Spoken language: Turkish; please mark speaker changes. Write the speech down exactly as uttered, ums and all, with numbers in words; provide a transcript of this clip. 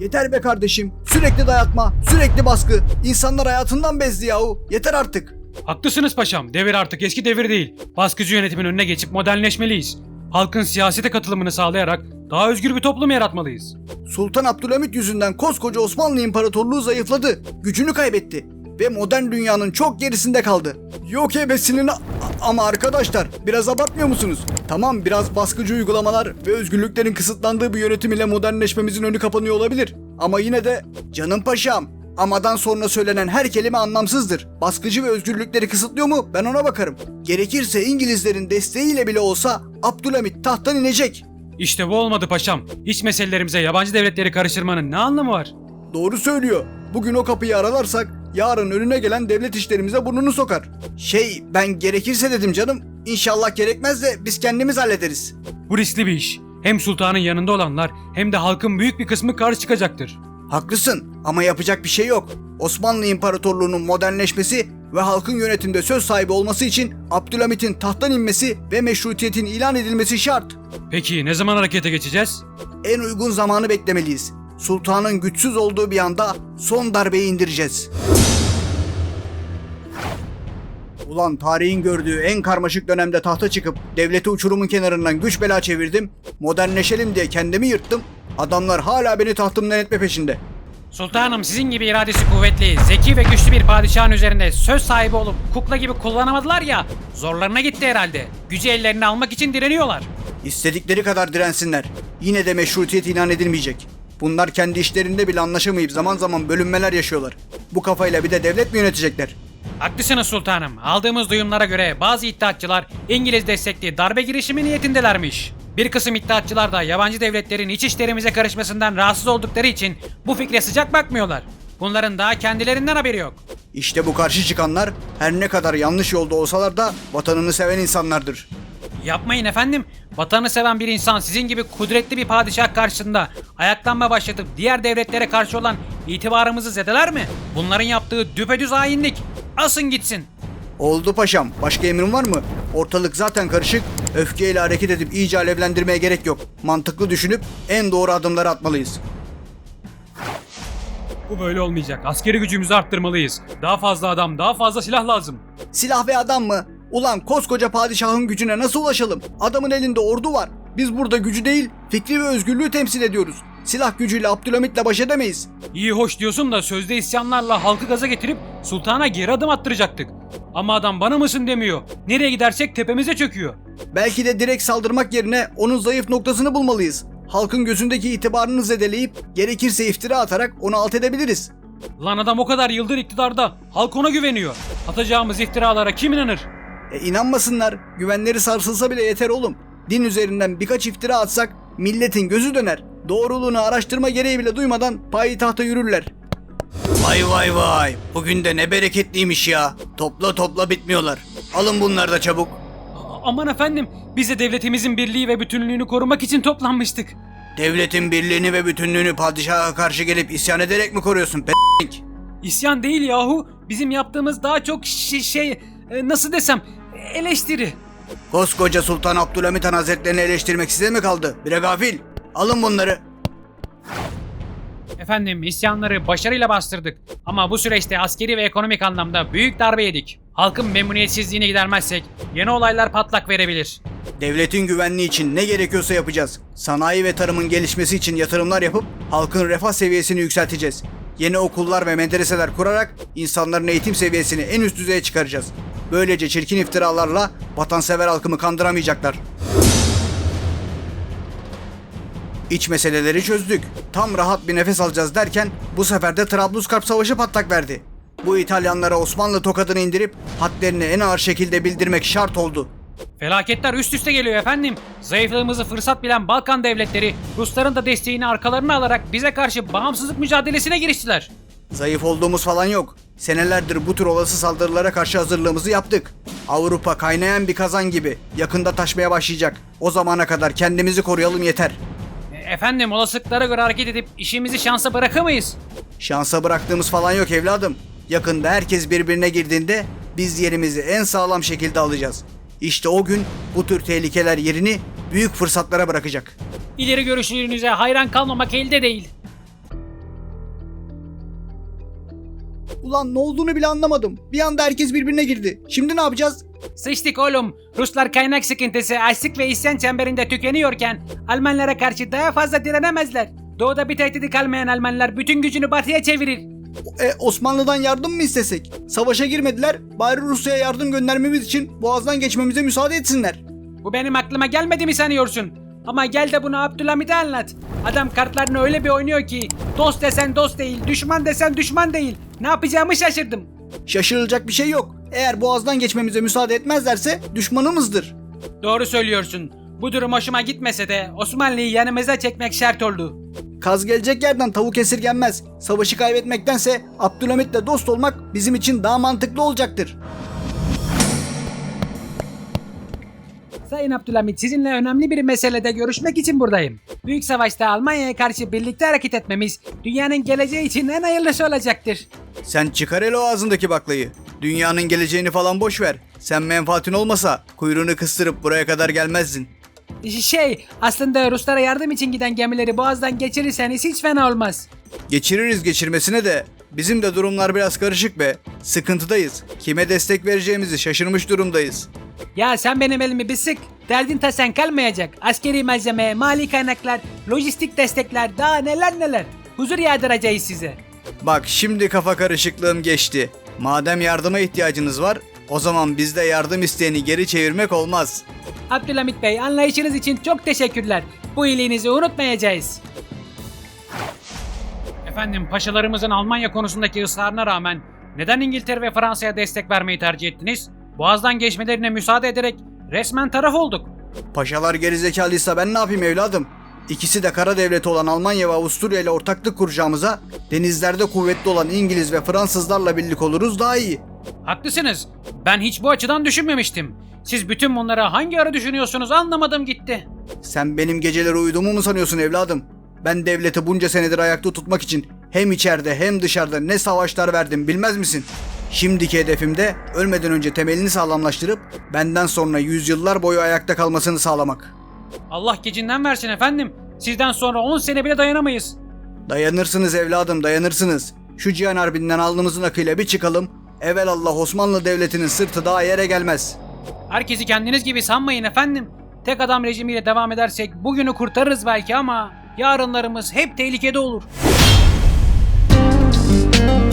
Speaker 1: Yeter be kardeşim. Sürekli dayatma, sürekli baskı. İnsanlar hayatından bezdi yahu. Yeter artık.
Speaker 2: Haklısınız paşam. Devir artık eski devir değil. Baskıcı yönetimin önüne geçip modernleşmeliyiz. Halkın siyasete katılımını sağlayarak daha özgür bir toplum yaratmalıyız.
Speaker 1: Sultan Abdülhamit yüzünden koskoca Osmanlı İmparatorluğu zayıfladı. Gücünü kaybetti. Ve modern dünyanın çok gerisinde kaldı. Yok ebesinin a- ama arkadaşlar biraz abartmıyor musunuz? Tamam, biraz baskıcı uygulamalar ve özgürlüklerin kısıtlandığı bir yönetim ile modernleşmemizin önü kapanıyor olabilir. Ama yine de canım paşam, amadan sonra söylenen her kelime anlamsızdır. Baskıcı ve özgürlükleri kısıtlıyor mu? Ben ona bakarım. Gerekirse İngilizlerin desteğiyle bile olsa Abdülhamit tahttan inecek.
Speaker 2: İşte bu olmadı paşam. İç meselelerimize yabancı devletleri karıştırmanın ne anlamı var?
Speaker 1: Doğru söylüyor. Bugün o kapıyı aralarsak yarın önüne gelen devlet işlerimize burnunu sokar. Şey, ben gerekirse dedim canım. İnşallah gerekmez de biz kendimiz hallederiz.
Speaker 2: Bu riskli bir iş. Hem sultanın yanında olanlar hem de halkın büyük bir kısmı karşı çıkacaktır.
Speaker 1: Haklısın ama yapacak bir şey yok. Osmanlı İmparatorluğu'nun modernleşmesi ve halkın yönetimde söz sahibi olması için Abdülhamit'in tahttan inmesi ve meşrutiyetin ilan edilmesi şart.
Speaker 2: Peki ne zaman harekete geçeceğiz?
Speaker 1: En uygun zamanı beklemeliyiz. Sultanın güçsüz olduğu bir anda son darbeyi indireceğiz. Ulan tarihin gördüğü en karmaşık dönemde tahta çıkıp devleti uçurumun kenarından güç bela çevirdim. Modernleşelim diye kendimi yırttım. Adamlar hala beni tahtımdan etme peşinde.
Speaker 3: Sultanım, sizin gibi iradesi kuvvetli, zeki ve güçlü bir padişahın üzerinde söz sahibi olup kukla gibi kullanamadılar ya, zorlarına gitti herhalde. Gücü ellerine almak için direniyorlar.
Speaker 1: İstedikleri kadar dirensinler. Yine de meşrutiyet ilan edilmeyecek. Bunlar kendi işlerinde bile anlaşamayıp zaman zaman bölünmeler yaşıyorlar. Bu kafayla bir de devlet mi yönetecekler?
Speaker 3: Haklısınız sultanım. Aldığımız duyumlara göre bazı iddiatçılar İngiliz destekli darbe girişimi niyetindelermiş. Bir kısım iddiatçılar da yabancı devletlerin iç işlerimize karışmasından rahatsız oldukları için bu fikre sıcak bakmıyorlar. Bunların daha kendilerinden haberi yok.
Speaker 1: İşte bu karşı çıkanlar her ne kadar yanlış yolda olsalar da vatanını seven insanlardır.
Speaker 3: Yapmayın efendim. Vatanı seven bir insan sizin gibi kudretli bir padişah karşısında ayaklanma başlatıp diğer devletlere karşı olan itibarımızı zedeler mi? Bunların yaptığı düpedüz hainlik. Asın gitsin.
Speaker 1: Oldu paşam. Başka emrin var mı? Ortalık zaten karışık. Öfkeyle hareket edip iyice alevlendirmeye gerek yok. Mantıklı düşünüp en doğru adımları atmalıyız.
Speaker 2: Bu böyle olmayacak. Askeri gücümüzü arttırmalıyız. Daha fazla adam, daha fazla silah lazım.
Speaker 1: Silah ve adam mı? Ulan koskoca padişahın gücüne nasıl ulaşalım? Adamın elinde ordu var. Biz burada gücü değil, fikri ve özgürlüğü temsil ediyoruz. Silah gücüyle Abdülhamit'le baş edemeyiz.
Speaker 2: İyi hoş diyorsun da sözde isyanlarla halkı gaza getirip sultana geri adım attıracaktık. Ama adam bana mısın demiyor. Nereye gidersek tepemize çöküyor.
Speaker 1: Belki de direkt saldırmak yerine onun zayıf noktasını bulmalıyız. Halkın gözündeki itibarını zedeleyip gerekirse iftira atarak onu alt edebiliriz.
Speaker 2: Lan adam o kadar yıldır iktidarda. Halk ona güveniyor. Atacağımız iftiralara kim inanır?
Speaker 1: E inanmasınlar. Güvenleri sarsılsa bile yeter oğlum. Din üzerinden birkaç iftira atsak milletin gözü döner. Doğruluğunu araştırma gereği bile duymadan payitahta yürürler. Vay vay vay. Bugün de ne bereketliymiş ya. Topla topla bitmiyorlar. Alın bunları da çabuk.
Speaker 2: A- aman efendim, biz de devletimizin birliği ve bütünlüğünü korumak için toplanmıştık.
Speaker 1: Devletin birliğini ve bütünlüğünü padişaha karşı gelip isyan ederek mi koruyorsun p***lik?
Speaker 2: İsyan değil yahu. Bizim yaptığımız daha çok şey, şey e, nasıl desem eleştiri.
Speaker 1: Koskoca Sultan Abdülhamit Han Hazretlerini eleştirmek size mi kaldı? Bire gafil. Alın bunları.
Speaker 3: Efendim, isyanları başarıyla bastırdık. Ama bu süreçte askeri ve ekonomik anlamda büyük darbe yedik. Halkın memnuniyetsizliğini gidermezsek yeni olaylar patlak verebilir.
Speaker 1: Devletin güvenliği için ne gerekiyorsa yapacağız. Sanayi ve tarımın gelişmesi için yatırımlar yapıp halkın refah seviyesini yükselteceğiz. Yeni okullar ve medreseler kurarak insanların eğitim seviyesini en üst düzeye çıkaracağız. Böylece çirkin iftiralarla vatansever halkımı kandıramayacaklar. İç meseleleri çözdük. Tam rahat bir nefes alacağız derken bu sefer de Trablusgarp Savaşı patlak verdi. Bu İtalyanlara Osmanlı tokadını indirip hadlerini en ağır şekilde bildirmek şart oldu.
Speaker 3: Felaketler üst üste geliyor efendim. Zayıflığımızı fırsat bilen Balkan devletleri Rusların da desteğini arkalarına alarak bize karşı bağımsızlık mücadelesine giriştiler.
Speaker 1: Zayıf olduğumuz falan yok. Senelerdir bu tür olası saldırılara karşı hazırlığımızı yaptık. Avrupa kaynayan bir kazan gibi yakında taşmaya başlayacak. O zamana kadar kendimizi koruyalım yeter.
Speaker 3: E, Efendim, olasılıklara göre hareket edip işimizi şansa bırakamayız.
Speaker 1: Şansa bıraktığımız falan yok evladım. Yakında herkes birbirine girdiğinde biz yerimizi en sağlam şekilde alacağız. İşte o gün bu tür tehlikeler yerini büyük fırsatlara bırakacak.
Speaker 3: İleri görüşlülüğünüze hayran kalmamak elde değil.
Speaker 1: Ulan ne olduğunu bile anlamadım. Bir anda herkes birbirine girdi. Şimdi ne yapacağız?
Speaker 3: Sıçtık oğlum. Ruslar kaynak sıkıntısı, açlık ve isyan çemberinde tükeniyorken Almanlara karşı daha fazla direnemezler. Doğuda bir tehdidi kalmayan Almanlar bütün gücünü batıya çevirir.
Speaker 1: E, Osmanlı'dan yardım mı istesek? Savaşa girmediler. Bari Rusya'ya yardım göndermemiz için Boğaz'dan geçmemize müsaade etsinler.
Speaker 3: Bu benim aklıma gelmedi mi sanıyorsun? Ama gel de bunu Abdülhamit'e anlat. Adam kartlarını öyle bir oynuyor ki dost desen dost değil, düşman desen düşman değil. Ne yapacağımı şaşırdım.
Speaker 1: Şaşırılacak bir şey yok. Eğer Boğaz'dan geçmemize müsaade etmezlerse düşmanımızdır.
Speaker 3: Doğru söylüyorsun. Bu durum hoşuma gitmese de Osmanlı'yı yanımıza çekmek şart oldu.
Speaker 1: Kaz gelecek yerden tavuk esirgenmez. Savaşı kaybetmektense Abdülhamit'le dost olmak bizim için daha mantıklı olacaktır.
Speaker 3: Sayın Abdülhamit, sizinle önemli bir meselede görüşmek için buradayım. Büyük savaşta Almanya'ya karşı birlikte hareket etmemiz dünyanın geleceği için en hayırlısı olacaktır.
Speaker 1: Sen çıkar hele o ağzındaki baklayı. Dünyanın geleceğini falan boş ver. Sen menfaatin olmasa kuyruğunu kıstırıp buraya kadar gelmezdin.
Speaker 3: Şey, aslında Ruslara yardım için giden gemileri Boğaz'dan geçirirseniz hiç fena olmaz.
Speaker 1: Geçiririz geçirmesine de bizim de durumlar biraz karışık be. Sıkıntıdayız. Kime destek vereceğimizi şaşırmış durumdayız.
Speaker 3: Ya sen benim elimi bir sık. Derdin tasen kalmayacak. Askeri malzeme, mali kaynaklar, lojistik destekler, daha neler neler. Huzur yağdıracağız size.
Speaker 1: Bak şimdi kafa karışıklığım geçti. Madem yardıma ihtiyacınız var, o zaman bizde yardım isteyeni geri çevirmek olmaz.
Speaker 3: Abdülhamit Bey, anlayışınız için çok teşekkürler. Bu iyiliğinizi unutmayacağız. Efendim, paşalarımızın Almanya konusundaki ısrarına rağmen neden İngiltere ve Fransa'ya destek vermeyi tercih ettiniz? Boğaz'dan geçmelerine müsaade ederek resmen taraf olduk.
Speaker 1: Paşalar gerizekalıysa ben ne yapayım evladım? İkisi de kara devleti olan Almanya ve Avusturya ile ortaklık kuracağımıza denizlerde kuvvetli olan İngiliz ve Fransızlarla birlik oluruz daha iyi.
Speaker 3: Haklısınız. Ben hiç bu açıdan düşünmemiştim. Siz bütün bunları hangi ara düşünüyorsunuz anlamadım gitti.
Speaker 1: Sen benim geceleri uyuduğumu mu sanıyorsun evladım? Ben devleti bunca senedir ayakta tutmak için hem içeride hem dışarıda ne savaşlar verdim bilmez misin? Şimdiki hedefim de ölmeden önce temelini sağlamlaştırıp benden sonra yüzyıllar boyu ayakta kalmasını sağlamak.
Speaker 3: Allah gecinden versin efendim. Sizden sonra on sene bile dayanamayız.
Speaker 1: Dayanırsınız evladım dayanırsınız. Şu Cihan Harbi'nden alnımızın akıyla bir çıkalım. Evelallah Osmanlı Devleti'nin sırtı daha yere gelmez.
Speaker 3: Herkesi kendiniz gibi sanmayın efendim. Tek adam rejimiyle devam edersek bugünü kurtarırız belki ama yarınlarımız hep tehlikede olur.